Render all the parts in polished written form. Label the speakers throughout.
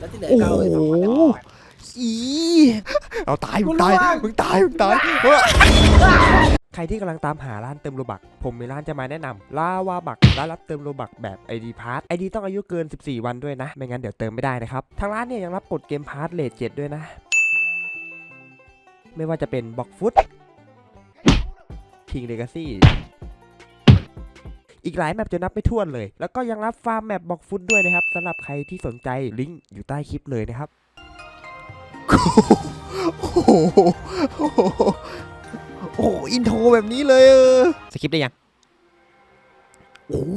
Speaker 1: แล้วที่เหลือ
Speaker 2: โอ้
Speaker 1: ก็เอาไปสองคน
Speaker 2: โหอีเอาตายมึงตายมึงตายมึงตายใครที่กำลังตามหาร้านเติมโลบักผมมีร้านจะมาแนะนำลาวาบักร้านรับเติมโลบักแบบ ID Pass ID ต้องอายุเกิน14วันด้วยนะไม่งั้นเดี๋ยวเติมไม่ได้นะครับทางร้านเนี่ยยังรับกดเกมพาร์ทเลท7ด้วยนะไม่ว่าจะเป็นบ็อกฟุตคิงเลกาซี่อีกหลายแมปจะนับไม่ถ้วนเลยแล้วก็ยังรับฟาร์มแมปบ็อกฟุตด้วยนะครับสำหรับใครที่สนใจลิงก์อยู่ใต้คลิปเลยนะครับโอ้โหโอ้โหอินโทรแบบนี้เลยสคริปต์ได้ยังโอ้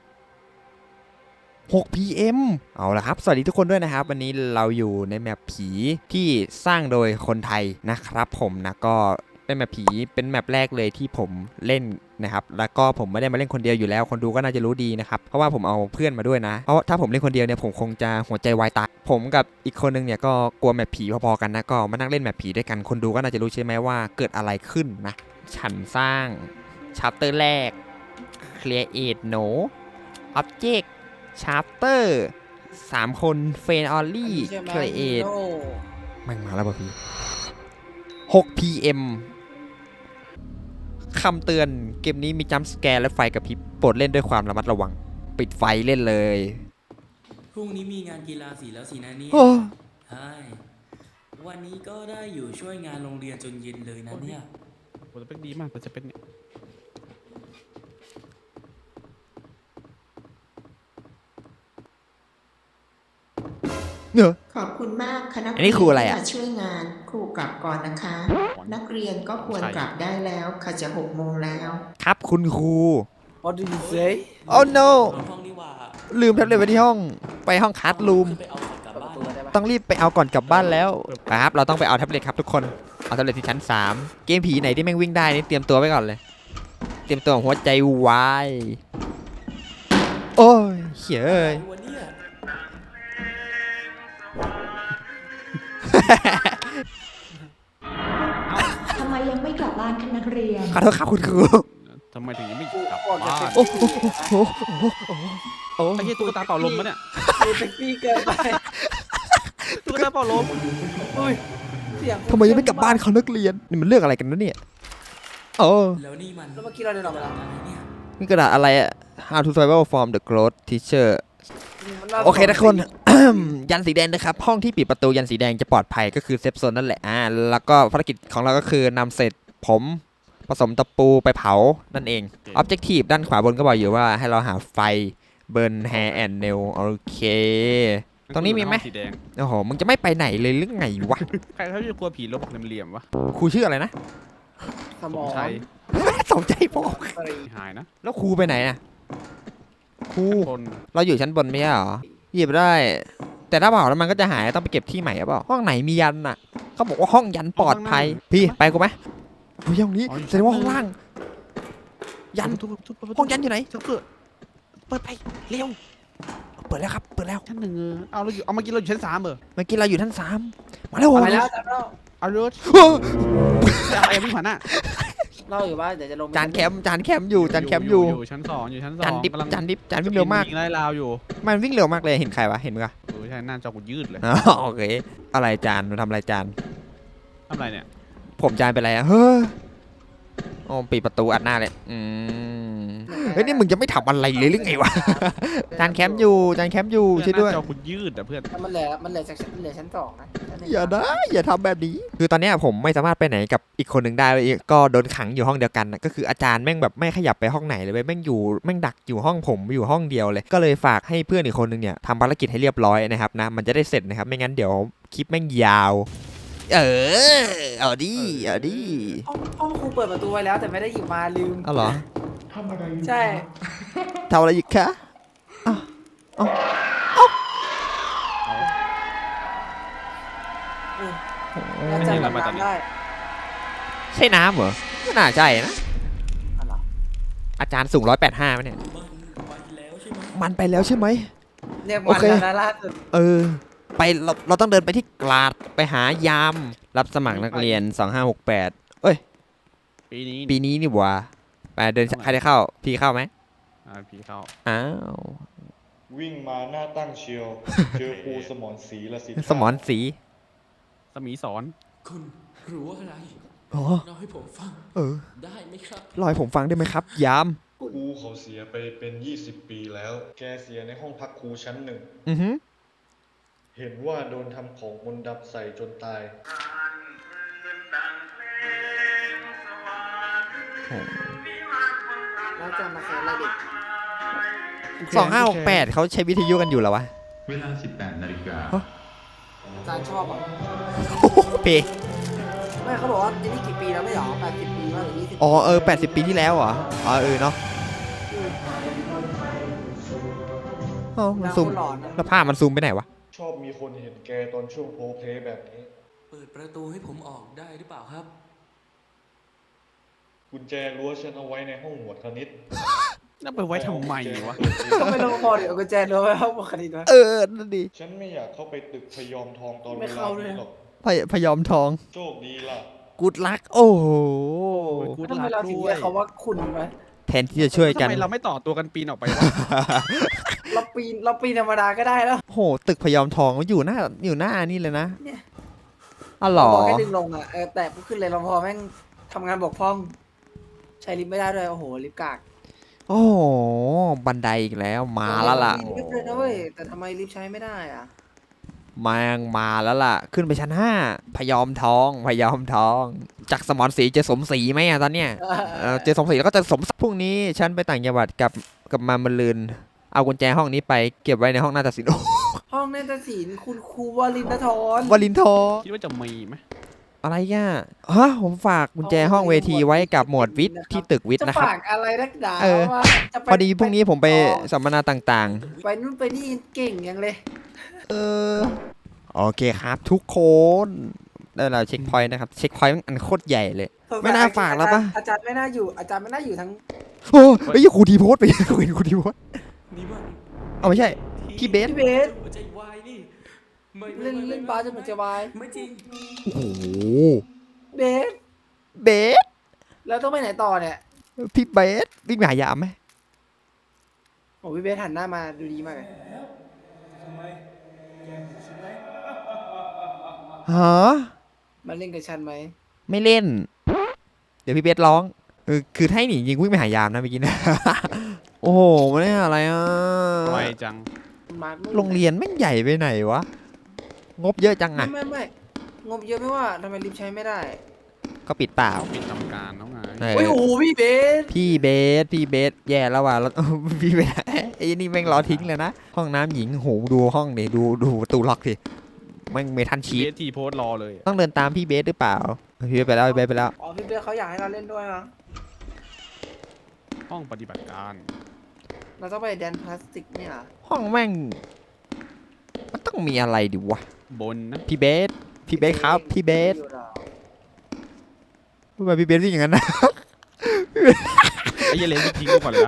Speaker 2: 6 PM เอาละครับสวัสดีทุกคนด้วยนะครับวันนี้เราอยู่ในแมปผีที่สร้างโดยคนไทยนะครับผมนะก็เป็นแมปผีเป็นแมปแรกเลยที่ผมเล่นนะครับแล้วก็ผมไม่ได้มาเล่นคนเดียวอยู่แล้วคนดูก็น่าจะรู้ดีนะครับเพราะว่าผมเอาเพื่อนมาด้วยนะเพราะถ้าผมเล่นคนเดียวเนี่ยผมคงจะหัวใจวายตายผมกับอีกคนนึงเนี่ยก็กลัวแมปผีพอๆกันนะก็มานั่งเล่นแมปผีด้วยกันคนดูก็น่าจะรู้ใช่ไหมว่าเกิดอะไรขึ้นนะฉันสร้างชัปเตอร์แรก Create No Object Chapter 3 คนเฟนออลลี่เครเอทมันมาแล้วป่ะพี่6 PM คำเตือนเกมนี้มีจัมป์สแกร์และไฟกระพริบโปรดเล่นด้วยความระมัดระวังปิดไฟเล่นเลย
Speaker 3: พรุ่งนี้มีงานกีฬาสีแล้วสินะเนี่ยใช่วันนี้ก็ได้อยู่ช่วยงานโรงเรียนจนเย็นเลยนะเนี่ย
Speaker 4: โหจะเป็นดีมากแต่จะเป็นเนี่ย
Speaker 2: เนอะ
Speaker 5: ขอบคุณมากคณะ
Speaker 2: อันนี้ครูอะไรอะ
Speaker 5: มาช่วยงานครูกลับก่อนนะคะ นักเรียนก็ควรกลับได้แล้วค่ะจะ6 โมงแล้ว
Speaker 2: ครับคุณครู
Speaker 1: What do you say
Speaker 2: Oh no
Speaker 3: ห้องนี่ว่า
Speaker 2: ลืมแท็บเล็ตไว้ที่ห้องไปห้องคัสรูม
Speaker 3: ไปเอากลับบ้าน
Speaker 1: ตัวได้ปะ
Speaker 2: ต้องรีบไปเอาก่อนกลับบ้านแล้วครับเราต้องไปเอาแท็บเล็ตครับทุกคนเอาแท็บเล็ตที่ชั้น3เกมผีไหนที่แม่งวิ่งได้นี่เตรียมตัวไว้ก่อนเลยเตรียมตัวหัวใจวายโอ้ยเขียเอ้ย
Speaker 3: วันนี้
Speaker 6: ทำไมยังไม่กลับบ้านคะนักเรียน
Speaker 2: ขอโทษครับคุณครู
Speaker 4: ทำไมถึงยังไม่
Speaker 1: กู
Speaker 4: กลับ
Speaker 1: ออกจาก
Speaker 4: บ้าน
Speaker 2: โอ้โหโอ้โหโอ้โห
Speaker 4: ไอ้เหี้ยตุ๊กตาเป่าลมปะเนี่ย
Speaker 1: เซ็กซี่เกินไป
Speaker 4: ตุ๊กตาเป่าลม
Speaker 1: อุ้ยเสียง
Speaker 2: ทำไมยังไม่กลับบ้านเขานักเรียนนี่มันเรื่องอะไรกันนะเนี่ยโอ้
Speaker 3: แล้วนี่มัน
Speaker 1: แล้วเมื่อกี้เราเดินออกไปแล้ว
Speaker 3: อะไรเนี่ย
Speaker 2: นี่กระดาษอะไรอะ How to survival from the growth teacher โอเคทุกคน ยันสีแดงนะครับห้องที่ปิดประตูยันสีแดงจะปลอดภัยก็คือเซฟโซนนั่นแหละแล้วก็ภารกิจของเราก็คือนำเศษผมผสมตะปูไปเผานั่นเอง Objective ด้านขวาบนก็บอกอยู่ว่าให้เราหาไฟ Burn Hair and Nail โอเค ตรงนี้มีไหม
Speaker 4: สีแดง
Speaker 2: โอ้โหมึงจะไม่ไปไหนเลยหรือไงวะ
Speaker 4: ใครเขาจะกลัวผีลบเหลี่ยมๆวะ
Speaker 2: ครูชื่ออะไรนะ
Speaker 1: สมอง
Speaker 4: ใช่
Speaker 2: สมใจพอ
Speaker 4: หายนะ
Speaker 2: แล้วครูไปไหนอะครู
Speaker 4: คน
Speaker 2: เราอยู่ชั้นบนไม่ใช่เหรอหยิบได้ แต่ถ้าเผาแล้วมันก็จะหายต้องไปเก็บที่ใหม่หรือเปล่าห้องไหนมียันอะเขาบอกว่าห้องยันปลอดภัยพี่ไปกูไหมเฮ้ยห้องนี้แสดงว่าห้องล่าง ยันห้องยันอยู่ไหน
Speaker 4: เกิดเปิดไปเร็ว
Speaker 2: เปิดแล้วครับเปิดแล้ว
Speaker 4: ชั้น 1เอาเราอยู่เอาเมื่อกี้เราอยู่ชั้น 3เหรอ
Speaker 2: เมื่อกี้เราอยู่ชั้น3มาแล้ว
Speaker 1: ไปแล้วจำเรา
Speaker 4: เอารถ
Speaker 2: เฮ้ย
Speaker 4: อะไรวิ่งผ่านหน้า
Speaker 1: เราอยู่ว่าเดี๋ยวจะลง
Speaker 2: จานแคมป์อยู่จานแคมป์อยู่
Speaker 4: ชั้น 2อยู่ชั้น 2
Speaker 2: จานดิบ
Speaker 4: กำลัง
Speaker 2: จานดิบจานวิ่งเร็วมาก
Speaker 4: ยิงไล่ลาวอยู่
Speaker 2: มันวิ่งเร็วมากเลยเห็นใครวะเห็นมั้ย
Speaker 4: ใช่หน้าจอกูยืดเลย
Speaker 2: อ๋อโอเคอะไรจานมันทำอะไรจาน
Speaker 4: ทำอะไรเนี่ย
Speaker 2: ผมจานเป็นไรอะเฮ้ยโอ้ปิดประตูอัดหน้าเลยเฮ้ยนี่มึงจะไม่ทำอะไรเลยหรือไงวะจานแคมป์อยู่จานแคมป์อยู่ช่วยด้วย
Speaker 4: หน้าจอกูยืดอ่ะเพื่อน
Speaker 1: มันเหลือชั้น2นะ
Speaker 2: อย่านะอย่าทำแบบนี้คือตอนเนี้ยผมไม่สามารถไปไหนกับอีกคนหนึ่งได้เลยก็โดนขังอยู่ห้องเดียวกันนะก็คืออาจารย์แม่งแบบไม่ขยับไปห้องไหนเลยเว้ยแม่งอยู่แม่งดักอยู่ห้องผมอยู่ห้องเดียวเลยก็เลยฝากให้เพื่อนอีกคนหนึ่งเนี่ยทำภารกิจให้เรียบร้อยนะครับนะมันจะได้เสร็จนะครับไม่งั้นเดี๋ยวคลิปแม่งยาวเอาดิเอาดิ
Speaker 1: ห้องครูเปิดประตูไว้แล้วแต่ไม่ได้หยิบมาลืม
Speaker 2: เอาเหรอ
Speaker 1: ใช่
Speaker 2: ทำอะไรอีกคะอ้าวอ้าว
Speaker 1: แล้วจำแบบน้ำได้
Speaker 2: ใช่น้ำเหรอไม่น่าใช่นะ
Speaker 1: อะไร
Speaker 2: อาจารย์สูง185ไหมเนี่ย
Speaker 3: มันไปแล้วใช่ไหม
Speaker 2: มันไปแล้วใช่ไหม
Speaker 1: เรียก
Speaker 2: โอ
Speaker 1: มัน
Speaker 2: เค
Speaker 1: แล้วนะล่าสุด
Speaker 2: ไปเราต้องเดินไปที่กลาดไปหายามรับสมัครนักเรียน2568เอ้ย ปีนี้นี่หว่าไปเดินใครได้เข้าพี่เข้าไหม
Speaker 4: ผีเข้า
Speaker 2: อ้าว
Speaker 7: วิ่งมาหน้าตั้งเชียว เจอครูสมรศรีละสิ
Speaker 2: สมอนสี
Speaker 4: สมีสอน
Speaker 3: คุณรู้อะไร
Speaker 2: อ๋อ
Speaker 3: เล่าให้ผมฟัง
Speaker 2: เออ
Speaker 3: ได้ไหมครับ
Speaker 2: เล่าให้ผมฟังได้ไหมครับ ยาม
Speaker 7: ครูเขาเสียไปเป็น 20 ปีแล้ว แกเสียในห้องพักครูชั้นหนึ่ง
Speaker 2: อือหือ
Speaker 7: เห็นว่าโดนทำของมนต์ดำใส่จนตาย
Speaker 1: แล้วจะมาแข่งอะไรเด็ก
Speaker 2: 2568เขาใช้วิทยุกันอยู่เหรอวะ
Speaker 8: เวลา 18 นาฬิกา
Speaker 1: อาจารย์ชอบอ่ะ
Speaker 2: โอ้โหเพ
Speaker 1: ไม่เขาบอกว่าไอ้นี่กี่ปีแล้วไม่หรอ80 ปีแล้วหรือ20
Speaker 2: อ๋อ80 ปีที่แล้วเหรอ อ๋อเนาะอ๋อมันซูม
Speaker 1: หลอนนะ
Speaker 2: แล้วภาพมันซูมไปไหนวะ
Speaker 7: ชอบมีคนเห็นแกตอนช่วงโพลเพลย์แบบนี้
Speaker 3: เปิดประตูให้ผมออกได้หรือเปล่าครับ
Speaker 7: กุญแจรั้วฉันเอาไว้ในห้องหมวดคณิต
Speaker 4: แล้วไปไว้ทำไมวะ
Speaker 1: ก็ไม่รู้พอเดี๋ยวกุญแจรู้ไหมว่าปกติด้วย
Speaker 2: นั่นดิ
Speaker 7: ฉันไม่อยากเข้าไปตึกพยอมทองตอน
Speaker 1: ไม่
Speaker 7: เวลา
Speaker 1: เข้าด้วย
Speaker 7: นี้หรอก
Speaker 2: พยอมทอง
Speaker 7: โชคดีล่ะ
Speaker 2: กูดลัก โอ้โห
Speaker 4: กูด
Speaker 1: ทำไม
Speaker 4: ลัก
Speaker 1: เราถึง
Speaker 4: ด้ว
Speaker 1: เรี
Speaker 4: ย
Speaker 1: ยกเขาว่าคุณไหม
Speaker 2: แทนที่จะช่วยกัน
Speaker 4: ทำไมเราไม่ต่อตัวกันปีนออกไปวะ
Speaker 1: เราปีนธรรมดาก็ได้แล้ว
Speaker 2: โห ตึกพยอมทองมันอยู่หน้านี่เลยนะ
Speaker 1: เนี่ย
Speaker 2: อ๋อเหรอ
Speaker 1: บอกให้ดึงลงอ่ะแต่ปุ๊บขึ้นเลยเราพอแม่งทำงานบกพร่อง ใช้ลิฟต์ไม่ได้ด้วยโอ้โหลิฟต์กาก
Speaker 2: โอ้โห บันไดอีกแล้ว มาแล้วล่ะ
Speaker 1: มีลิฟต์เลยนะเว้ยแต่ทำไมลิฟต์ใช้ไม่ได้อ่ะ
Speaker 2: มาแล้วล่ะ ขึ้นไปชั้น 5 พยอมทอง จากสมรศรีเจอสมศรีไหมอะตอนเนี้ย เจอสมศรีแล้วก็จะสมศักดิ์พรุ่งนี้ ฉันไปต่างจังหวัดกับมาลืน เอากุญแจห้องนี้ไปเก็บไว้ในห้องนาฏศิลป์
Speaker 1: ห้องนาฏศิลป์คุณครูวลินทร
Speaker 2: วลินทร์
Speaker 4: คิดว่าจะมีไหม
Speaker 2: อะไรอ่ะฮะผมฝากกุญแจห้องเวทีไว้กับหมวดวิทย์ที่ตึกวิทย์
Speaker 1: จะ
Speaker 2: นะครับ
Speaker 1: ฝากอะไรนักหนา
Speaker 2: เออ
Speaker 1: ว่าจะไป
Speaker 2: พอดีพรุ่งนี้ผมไปสัมมนาต่าง
Speaker 1: ไปนู่นไปนี่เก่งยังเลย
Speaker 2: ๆ โอเคครับทุกคน ได้แล้วเช็คพอยต์นะครับ เช็คพอยต์อันโคตรใหญ่เลย ไม่น่าฝากแล้วปะ
Speaker 1: อาจารย์ไม่น่าอยู่ทั้ง
Speaker 2: โอ้ยครูทีโพสต์ไปครูทีโพสต์
Speaker 3: นี่มัน
Speaker 2: เอาไม่ใช่ พี่เบส
Speaker 1: พี่เบส
Speaker 3: หัวใจวายนี่ไม่
Speaker 1: เล่นบาสจนมันจะวาย
Speaker 3: ไม่จริง
Speaker 2: โอ้โห
Speaker 1: เบส
Speaker 2: เบส
Speaker 1: แล้วต้องไปไหนต่อเนี่ย
Speaker 2: พี่เบสวิ่งไปหายามไหม
Speaker 1: โอ้พี่เบสหันหน้ามาดูดีมากเลย
Speaker 2: ฮะ
Speaker 1: มาเล่นกับฉันไหม
Speaker 2: ไม่เล่น เดี๋ยวพี่เบสร้องคือถ้าให้หนีจริงวิ่งไปหายามนะเมื่อกี้นะ โอ้โหมันนี่อะไรอ่ะ
Speaker 4: ไวจัง
Speaker 1: มาร์คนู่น
Speaker 2: โรงเรียนแม่งใหญ่ไปไหนวะ งบเยอะจังอ่ะ
Speaker 1: ไม่งบเยอะไม่ว่าทำไมลิฟต์ใช้ไม่ได้
Speaker 2: ก็ปิดเปล่า
Speaker 4: ปิดทำการแล้วไง
Speaker 2: เออ
Speaker 1: โอ้ยโอ้โหพี่เบส
Speaker 2: พี่เบสแย่แล้วว่ะแล้ว พี่เบสไอ้นี่แม่งรอทิ้งเลยนะ ห้องน้ำหญิงโหดูห้องดิดูประตูล็อกดิแม่งเมทัลชี
Speaker 4: เบ
Speaker 2: ต
Speaker 4: สทีโพสต์รอเลย
Speaker 2: ต้องเดินตามพี่เบสหรือเปล่า พี่เบสไปแล้วพี่เบสไปแล้ว
Speaker 1: อ๋อพี่เบสเขาอยากให้เราเล่นด้วยนะ
Speaker 4: ห้องปฏิบัติการ
Speaker 1: เราต้องไปแดนพลาสติกเนี่ยเหรอ
Speaker 2: ห้องแม่งมันต้องมีอะไรดิวะ
Speaker 4: บนนะ
Speaker 2: พี่เบสครับพี่เบสทำไมพี่เบสวิ่งอย่างนั้นนะ
Speaker 4: ไอ้เหี้ยเลนทิ้งกูก่อนเลยนะ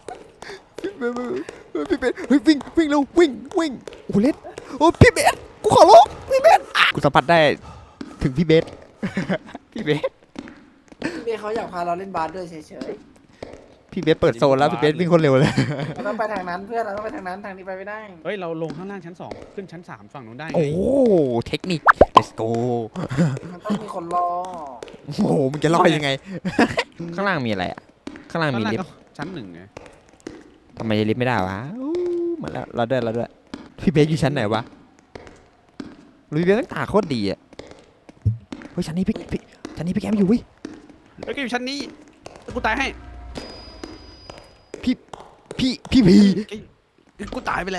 Speaker 2: พี่เบสเฮ้ยวิ่งเร็ววิ่งโอ้โหเล็ดโอ้พี่เบสกูขอร้องพี่เบสกูสัมผัสได้ถึงพี่เบส พี่เบส
Speaker 1: พี่เบสเขาอยากพาเราเล่นบาสด้วยเฉย
Speaker 2: พี่เบสเปิดโซนแล้วพี่เบสวิ่งคนเร็วเลย
Speaker 1: ๆเราต้องไปทางนั้นเพื่อนเราต้องไปทางนั้นทางนี้ไปไม่ได้
Speaker 4: เฮ้ยเราลงข้างล่างชั้น 2 ขึ้นชั้น 3 ฝั่งนู้นได้ไง
Speaker 2: โอ้เทคนิค let's go
Speaker 1: มันต้องมีคนรอ
Speaker 2: โอ้โหมึงจะลอยยังไง ข้างล่างมีอะไรอ่ะข้างล่าง
Speaker 4: ข้าง
Speaker 2: มี
Speaker 4: ล่าง
Speaker 2: ลิฟ
Speaker 4: ก็
Speaker 2: ต์
Speaker 4: ชั้น 1ไง
Speaker 2: ทำไมลิฟต์ไม่ได้วะอู้มาแล้วเราด้วยพี่เบสอยู่ชั้นไหนวะพี่เบสตั้งตาโคตรดีอ่ะเฮ้ยชั้นนี้พี่แกมอยู่เว้ย
Speaker 4: เฮ้ยก็อยู่ชั้นนี้กูตายให้
Speaker 2: พี่พี
Speaker 4: กูตายไปแล้ว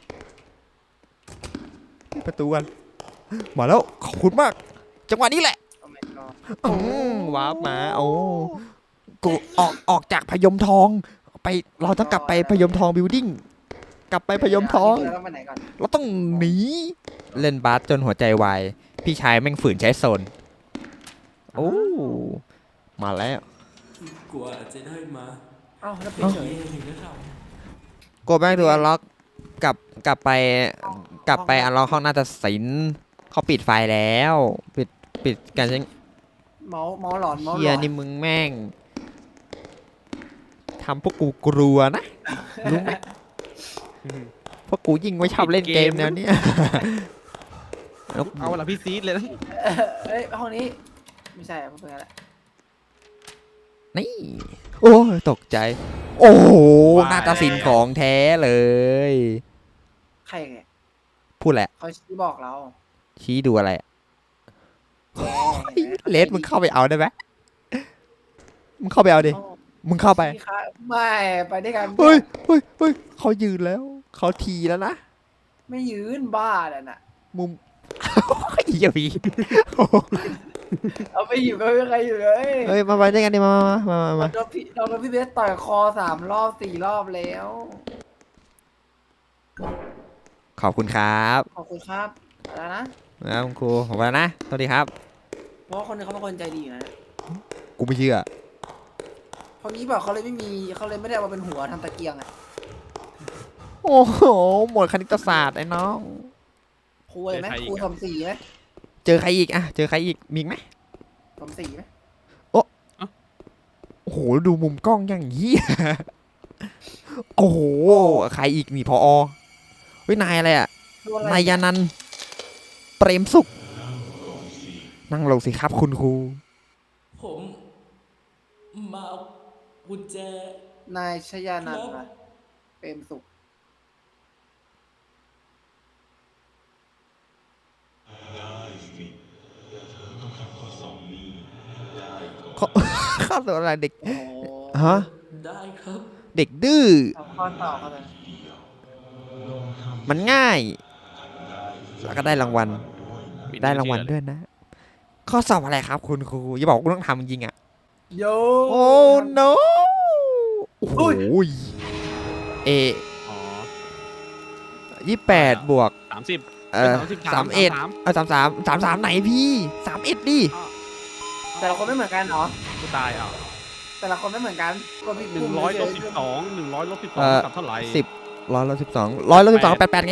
Speaker 2: ประตูกันมาแล้วขอบคุณมาก จังหวะนี้แหละ
Speaker 1: โอ้ my god
Speaker 2: วาร์ปมาโอ้กูออกจากพยมทองไปเราต้องกลับไปพยมทองบิลดิ้งกลับไปพยมทอง
Speaker 1: เราต้องไปไหนก่อน
Speaker 2: เราต้องหนีเล่นบาสจนหัวใจวายพี่ชายแม่งฝืนใช้โซนโอ้มาแล้ว
Speaker 3: กลัวจะได้มา
Speaker 1: เอ้าแล้วเป็น
Speaker 2: เอ้า
Speaker 1: เฉย
Speaker 3: เองนะเรา
Speaker 2: กดแบงตัวล็อกกลับไปอันล็อกห้องน่าจะศิลป์เขาปิดไฟแล้วปิดการใช้
Speaker 1: เมาหลอนเมาห
Speaker 2: เฮี
Speaker 1: ล
Speaker 2: ย
Speaker 1: อน
Speaker 2: นี่มึงแม่งทำพวกกูกลัวนะรู้ไหมเพราะกูยิ่งไม่ชอบเล่นเกมแนวเนี้ยแล้ว
Speaker 4: เอาละพี่ซีดเลยนะ
Speaker 1: เอ้ยห้องนี้ไม่ใช่อะเพื่อนแหละ
Speaker 2: นี่โอ้ยตกใจ โอ้โหนาฏศิลป์ของแท้เลย
Speaker 1: ใครเนี่ย
Speaker 2: พูดแหละ
Speaker 1: เขาชี้บอกเรา
Speaker 2: ชี้ดูอะไรอะ
Speaker 1: แก
Speaker 2: เลสมึงเข้าไปเอาได้ไหมมึงเข้าไปเอาดิ มึงเข้าไป
Speaker 1: ชี้ค่ะไม่ไปด้วยกัน
Speaker 2: เฮ้ยเฮ้ยเฮ้ยเขายืนแล้วเขาทีแล้วนะ
Speaker 1: ไม่ยืนบ้าเลยน่ะ
Speaker 2: มุม เหี้ยพี่
Speaker 1: เอาไปอยู่ก็ไม่มีใครอยู่เลย
Speaker 2: เฮ้ยมาไปด้วยกันดิมา
Speaker 1: โดนพี่เบสต่อยคอ3 รอบ 4 รอบแล้ว
Speaker 2: ขอบคุณครับ
Speaker 1: ขอบคุณครับแล้วนะ
Speaker 2: นะคุณครูผมไปแล้วนะสวัสดีครับ
Speaker 1: เพราะว่าคนนึงเขาเป็นคนใจดีอยู่นะ
Speaker 2: กูไม่เชื่อ
Speaker 1: เพราะงี้บอกเขาเลยไม่ได้เอามาเป็นหัวทำตะเกียงอ่ะ
Speaker 2: โอ้โหหมดคณิตศาสตร์ไอ้น้อง
Speaker 1: ครูเลยไหมครูสมศรีไหม
Speaker 2: เจอใครอีกอะเจอใครอีกมีอีกไหม
Speaker 1: สมศรีไหม
Speaker 2: โอ้โหดูมุมกล้องอย่างนี้ โอ้โหใครอีกนี่พอเฮ้ยนายอะไรอะ
Speaker 1: ดูอะไร
Speaker 2: นายยานันท์เปรมสุขนั่งลงสิครับคุณครู
Speaker 3: ผมมาเอากุญแจ
Speaker 1: นายชยานันท์นะเปรมสุข
Speaker 2: ข้าวตัวอะไรเด็ก
Speaker 1: โอ้
Speaker 2: ฮะ
Speaker 3: ได้ครับ
Speaker 2: เด็กดื้อ
Speaker 1: เอาข้อต่อเขาเลย
Speaker 2: มันง่าย แล้วก็ได้รางวัล ได้รางวัลด้วยนะ ข้อสอบอะไรครับคุณครูอย่าบอกว่ากูต้องทำจริงๆอ่ะ
Speaker 1: โย
Speaker 2: โอ้ no โอ้โหเอ
Speaker 4: อ๋อ
Speaker 2: 28 บวก
Speaker 4: 30
Speaker 2: 3133ไหนพี่31ดิ
Speaker 1: แต่ละคนไม่เหมือนกันเหรอ
Speaker 4: กูตายอ่ะ
Speaker 1: แต่ละคนไม่เหมือนกันก็พี่
Speaker 4: 100 ลบ 12 100 ลบ
Speaker 2: เอ่อ
Speaker 4: 12กับเท่าไหร่
Speaker 2: 10 112 88ไง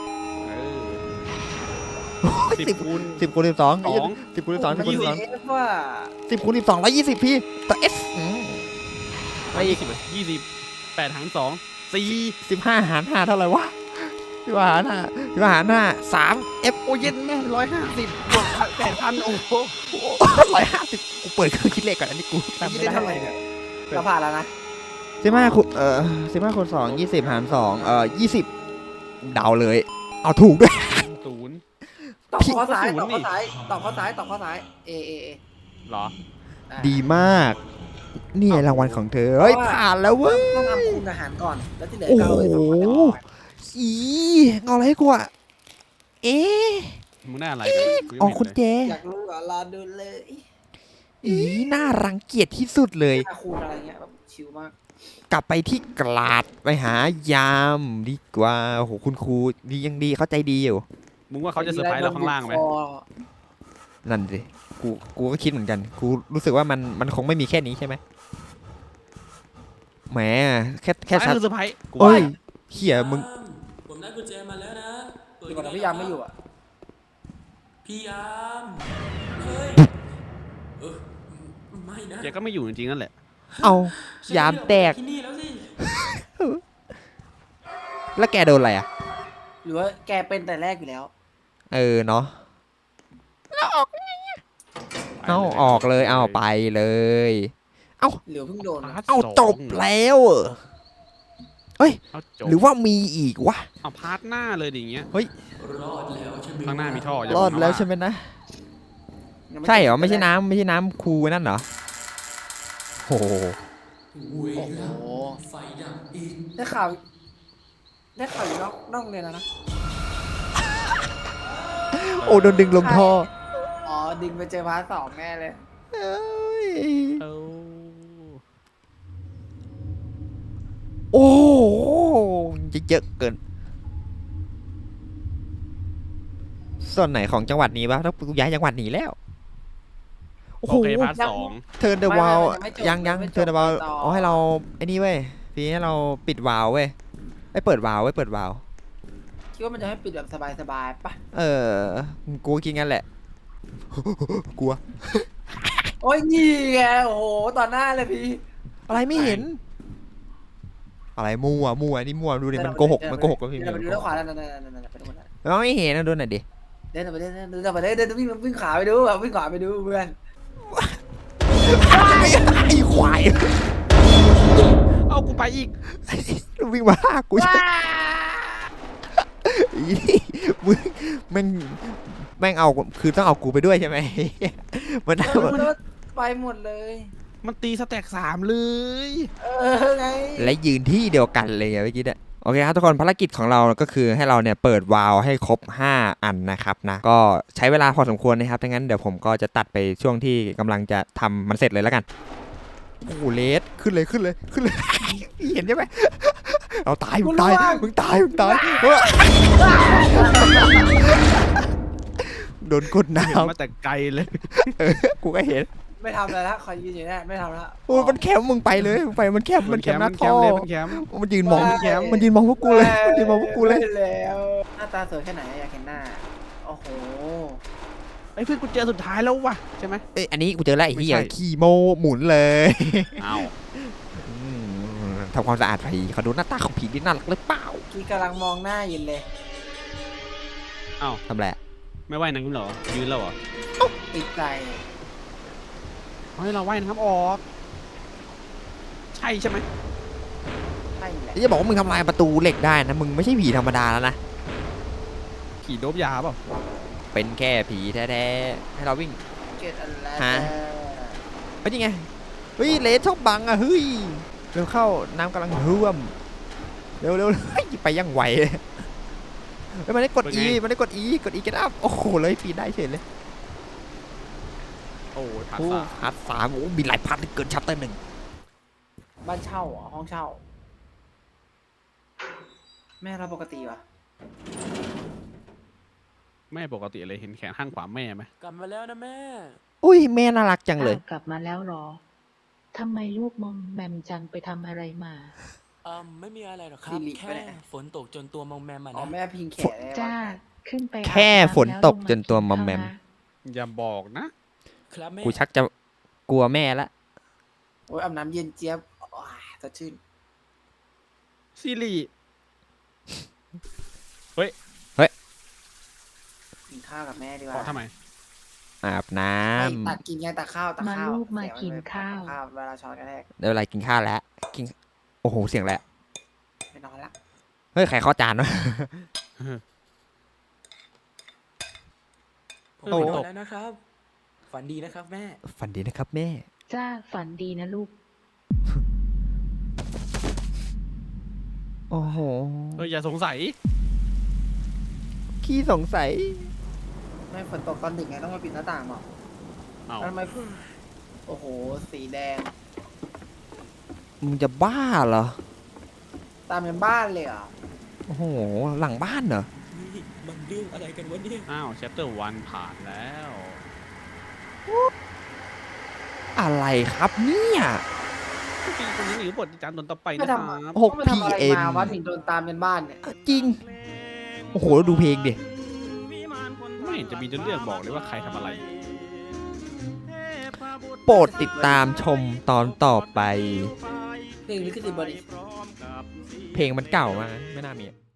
Speaker 4: 10 คูณ
Speaker 2: 10คูณ12
Speaker 4: สอง
Speaker 2: 10คูณ12
Speaker 1: มัน
Speaker 2: 10คูณ
Speaker 1: อยู่
Speaker 2: 12
Speaker 1: เอฟว่า
Speaker 2: 10คูณ12 120พี่ตัว S
Speaker 4: ไม่20 8หาร2 4
Speaker 2: 15หาร5เท่าไหร่วะ15หาร5 3 F โอ้เย็นแม่150
Speaker 4: บวก8,000 โอ้โห
Speaker 2: 150กูเปิดเครื่องคิดเลขก่อนอันนี้กูจำไม่ได้
Speaker 1: เท่าไหร่เนี่ยเราผ่านแล้วนะ
Speaker 2: 15คูณ15คูณ2 20หาร220เดาเลย เอาถูกด้วย
Speaker 4: 0
Speaker 1: ตอบข้อซ้าย
Speaker 4: ศูนย์
Speaker 1: ตอบ
Speaker 4: นี่
Speaker 1: ข้อซ้ายตอบข้อซ้ายตอบข้อซ้ายเอ
Speaker 4: เหรอ
Speaker 2: ดีมาก นี่รางวัลของเธอ เฮ้ย ผ่านแล้วเว้ย
Speaker 1: ต้องทำคูณอาหารก่อน แล้วที่เหลือ
Speaker 2: โอ้
Speaker 1: ก็เอา
Speaker 2: โห
Speaker 1: ไปทำอาหาร
Speaker 2: อีเอาอะไรให้กูอะเอ๊ะ
Speaker 4: มึงได้อะไรกันกูยัง
Speaker 2: อ๋อ
Speaker 4: ไม่
Speaker 2: คุณ
Speaker 4: เห็นเลย
Speaker 2: เจ
Speaker 1: อยากรู้เหรอรอดูเลย
Speaker 2: อีน่ารังเกียจที่สุดเลย
Speaker 1: ถ้าคูณอะไรเงี้ยแบบชิลมาก
Speaker 2: กลับไปที่กลาดไปหายามดีกว่าโอ้โหคุณครูดียังดีเข้าใจดีอยู่
Speaker 4: มึงว่าเขาจะเซอร์ไพรส์เราข้างล่างไหม
Speaker 2: นั่นสิกูก็คิดเหมือนกัน กูรู้สึกว่ามันคงไม่มีแค่นี้ใช่ไหมแหมแค่
Speaker 4: ซ้าย
Speaker 2: ชัด
Speaker 4: คือเซอร์ไพรส์กู
Speaker 2: เอ้
Speaker 4: ว่าย
Speaker 2: เขี่ยมึง
Speaker 3: ผมได้กุญแจมาแล้วนะเปิ
Speaker 1: ดีกว่าแต่พี่ยามไม่อยู่อ่ะ
Speaker 3: พี่ยามเฮ้ยเออไม่นะ
Speaker 4: แกก็ไม่อยู่จริงๆนั่นแหละ
Speaker 2: เอายามแตก
Speaker 3: ที่นี่แล้วสิ
Speaker 2: แล้วแกโดนอะไรอ่ะ
Speaker 1: หรือว่าแกเป็นแต่แรกอยู่แล้ว
Speaker 2: เออเนาะเอาออกเลยเอาไปเลย
Speaker 1: หรือเพิ่งโดนอะ
Speaker 2: เอาจบแล้ว
Speaker 4: เอาจบ
Speaker 2: หรือว่ามีอีกวะ
Speaker 4: เอาพาร์ทหน้าเลยดิอย่างเงี้ย
Speaker 3: รอดแล้วใช่ไหม
Speaker 4: ข้างหน้ามีท่ออย่าร
Speaker 2: อด
Speaker 4: บอกนะ
Speaker 2: แล้ว
Speaker 4: ว่า
Speaker 2: ใช่ไหมนะ
Speaker 1: ยัง
Speaker 2: ใช่เหรอไม่ใช่น้ำครูนั่นเหรอโอ้โห
Speaker 3: เว้ย
Speaker 1: โอ้
Speaker 3: แล้ว
Speaker 1: โห
Speaker 3: ไฟดับอีก
Speaker 1: ได้ข่าวอยู่นอกโรงเรียนแล้วนะ
Speaker 2: โอ้โดนดึงลงท่อ
Speaker 1: อ๋อดึงไปเจอพาร์ท 2แน่เลย
Speaker 2: เอ้ย
Speaker 4: เอา
Speaker 2: โอ้โหเยอะเกิน ส่วนไหนของจังหวัดนี้วะถ้ากูย้ายจังหวัดหนีแล้ว โอ้
Speaker 4: โอ
Speaker 2: โห
Speaker 4: เคพาร์ท 2
Speaker 2: เทิร์นเดอะวาล
Speaker 1: ไม่จบ
Speaker 2: ยัง
Speaker 1: ไม่จบ
Speaker 2: เทิร์นเดอะวาล
Speaker 1: ต่อ
Speaker 2: อ๋อให้เราไอ้นี่เว้ยพี่ให้เราปิดวาลเว้ยเปิดวาลเปิดวาล
Speaker 1: คิดว่ามันจะให้ปิดแบบสบายๆปะ
Speaker 2: กูคิดงั้นแหละ กลัว
Speaker 1: โอ้ยนี่ไงโอ้โหต่อหน้าเลยพี่
Speaker 2: อะไรไม่เห็นอะไรมั่วนี่มั่วดูดิมันโกหกแล้วพี่
Speaker 1: เดินไปดูด้านขวานั่นไปดูนั่น
Speaker 2: เราไม่เห็นนะดูหน่อยดิ
Speaker 1: เดินวิ่งขาไปดูวิ่งขวาไปดูเพื่อน
Speaker 2: ไอ้ควาย
Speaker 4: เอากูไปอีก
Speaker 2: วิ่งมาฆ่ากูอีมึงแม่งเอาคือต้องเอากูไปด้วยใช่ไหมมัน
Speaker 1: ไปหมดเลย
Speaker 4: มันตีสแต็ก3เลย
Speaker 1: ไง
Speaker 2: และยืนที่เดียวกันเลยเมื่อกี้เนี่ยโอเคครับทุกคนภารกิจของเราก็คือให้เราเนี่ยเปิดวาล์วให้ครบ5อันนะครับนะก็ใช้เวลาพอสมควรนะครับดังนั้นเดี๋ยวผมก็จะตัดไปช่วงที่กำลังจะทำมันเสร็จเลยแล้วกันโอ้โหเลสขึ้นเลย เห็นใช่ไหมเอาตายมึงตายโดนกดน้
Speaker 4: เห็นมาแต่ไกลเลย
Speaker 2: ำกูก็เห็น
Speaker 1: ไม่ทำอะไรละคอยยืนอยู่เนี่ยไม่ทำละ
Speaker 2: โอ้ยมันแคมมึงไปเลยมึงไปมันแคมหน้าท่อ
Speaker 4: มันแคม
Speaker 2: มันยืนมองมันยืนมองพวกกูเลย
Speaker 1: แล้วหน้าตาสวยแค่ไหนอยากเห็นหน้าโอ้โห
Speaker 4: ไอ้เพื่อนกูเจอสุดท้ายแล้วว่ะใช่ไหม
Speaker 2: เอ้ยอันนี้กูเจอแล้วไอ้เหี้ย
Speaker 4: ไม่ใช่
Speaker 2: ขี้โมหมุนเลย
Speaker 4: อ้าว
Speaker 2: ทำความสะอาดผีเขาดูหน้าตาของผีที่น่ารักหรือเปล่า
Speaker 1: กี้กำลังมองหน้ายินเลย
Speaker 4: อ้าว
Speaker 2: ทำไร
Speaker 4: ไม่ว่ายน้ำเหรอยืนแล้วเหรอ
Speaker 1: ติดใจ
Speaker 4: ให้เราว่ายน้ำออกใช่ไหม
Speaker 1: ใช่แหละ
Speaker 2: จะบอกว่ามึงทำลายประตูเหล็กได้นะมึงไม่ใช่ผีธรรมดาแล้วนะ
Speaker 4: ขี่โดบยาเปล่า
Speaker 2: เป็นแค่ผีแท้ๆให้เราวิ่ง
Speaker 1: เกิดอะไร
Speaker 2: ฮะ เฮ้ยนี่ไงเฮ้ยเลสชอบบังอ่ะเฮ้ยเร็วเข้าน้ำกำลังท่วมเร็วเฮ้ยไปยังไหวเลยเฮ้ยมันได้กด E กด E get up โอ้โหเลยปีนได้เฉยเลย
Speaker 4: โอ้ยผ่าน
Speaker 2: โอ้
Speaker 4: สาม
Speaker 2: พาร์ท3โอ้มีหลายพาร์ทเกินชัปเตอร์
Speaker 1: บ้านเช่าเหรอห้องเช่า แม่เราปกติวะ
Speaker 4: แม่ปกติเลยเห็นแขนข้างขวาแม่ไหม
Speaker 3: กลับมาแล้วนะแม่
Speaker 2: 1อุ้ยแม่น่ารักจังเลย
Speaker 9: อ้าวกลับมาแล้วเหรอ ทำไมลูกมอมแมมจังไปทำอะไรมา
Speaker 3: ไม่มีอะไรหรอกครับ แค่ฝนตกจนตัวมองแมมอ่ะ
Speaker 1: อ๋อ
Speaker 3: นะ
Speaker 1: แม่พิงแขนเลย
Speaker 9: จ้า ขึ้นไป
Speaker 2: แค่ฝนตกจนตัวมอมแมม
Speaker 4: อย่าบอกนะครับ
Speaker 3: แม่
Speaker 2: กูชักจะกลัวแม่ละ
Speaker 1: โอ้ยอาบน้ำเย็นเจี๊ยบสดชื่น
Speaker 4: ซีรีส์
Speaker 1: กินข้าวกับแม่ดีก
Speaker 4: ขอ
Speaker 1: ว่า
Speaker 4: ทำไม
Speaker 2: อาบน้
Speaker 1: ตักกินไงตักข้าว
Speaker 9: มาลูกมากินข้าว
Speaker 1: เวลาช้อนกระแทก
Speaker 2: ำได้เวลากินข้าวแล้วกินโอ้โหเสียงแหละ
Speaker 1: ไปนอนละ
Speaker 2: เฮ้ยใครเข้าจานวะ
Speaker 3: ผม
Speaker 2: โอ้
Speaker 3: นอนแล้วนะครับ ฝันดีนะครับแม่
Speaker 2: ฝันดีนะครับแม่
Speaker 9: จ้าฝันดีนะลูก
Speaker 2: โอ้โห
Speaker 4: อย่าสงสัย
Speaker 2: ขี้สงสัย
Speaker 1: แม่ฝนตกตอนดึกไงต้องมาปิดหน้าต่างหรอ
Speaker 4: เอา
Speaker 1: ทำไมโอ้โหสีแดง
Speaker 2: มึงจะบ้าเหรอ
Speaker 1: ตามเป็นบ้านเลยเหรอ
Speaker 2: โอ้โหหลังบ้านเหรอ
Speaker 3: นี่มันเรื่องอะไรกันวะเนี่ย
Speaker 4: อ้าวแชปเตอร์1ผ่านแล้ว
Speaker 2: อะไรครับเนี่ย
Speaker 4: ปีคนนี้หรือบทจานตนต่อไป
Speaker 1: ไม่
Speaker 4: นะค
Speaker 1: ทำ
Speaker 4: รับ
Speaker 2: 6
Speaker 1: ไม่ทำอะไร
Speaker 2: PM
Speaker 1: มาวะถึงโดนตามเป็นบ้านเนี่ย
Speaker 2: จริง โอ้โหดูเพลงดิ
Speaker 4: ไม่เห็นจะมีเรื่องบอกเลยว่าใครทำอะไร
Speaker 2: โปรดติดตามชมตอนต่อไป
Speaker 1: เพลงลิขสิทธิ์บริ
Speaker 2: เพลงมันเก่ามากนะไม่น่ามีอะ